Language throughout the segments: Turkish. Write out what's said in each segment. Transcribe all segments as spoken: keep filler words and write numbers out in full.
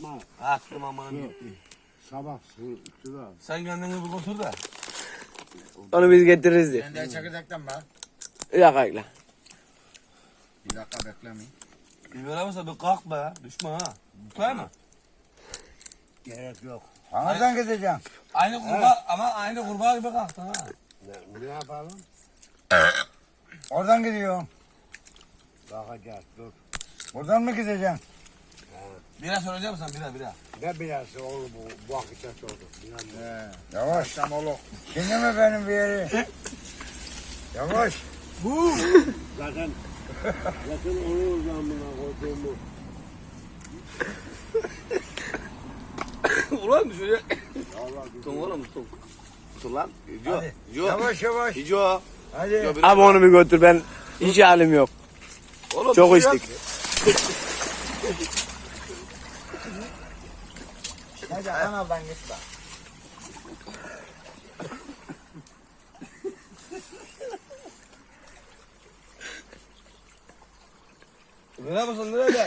Atma. Attım aman. Yok. Sabah su, suda. Sen kendini bir götür de. Onu biz getiririz diye. Ben de çekirdekten bak. Yok ayla. Bir dakika beklemeyin. Bir veremezse bir kalk be. Düşme ha. Tutay mı? Gerek yok. Nereden gideceğim? Aynı kurbağa ama aynı kurbağa gibi kalktın ha. Ne, ne yapalım? Oradan gidiyorum. Bakacağız dur. Buradan mı gideceğim? Bira söyleyecek misin? Bira bira. Ne bilası oğlum bu, bu akışa oldu. He, yavaş. Tam oğlum. Şimdi mi benim bir yeri? Yavaş. Bu. Zaten, zaten onu zamına koyduğumu. Ulan düşecek. Allah Tutun oğlum tutun. Tutun lan. Gidiyor. Hadi. Gidiyor. Yavaş yavaş. Gidiyor. Hadi. Abi onu bir götür, ben hiç halim yok. Oğlum, Çok düşüyor. içtik. Hadi kanaldan git bak. Bira mısın nerede?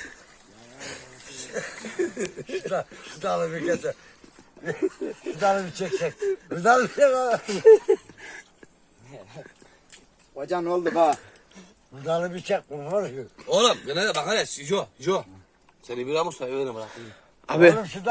Şu da, şu dalı bir getir. Şu dalı bir çek çek. Şu dalı bir çek. Hocam ne oldu bak? Şu dalı bir çek. Bu var ya. Oğlum gene de bak hele. Jo. Jo. Seni bira mı sayı verin bırak. Abi. Oğlum şu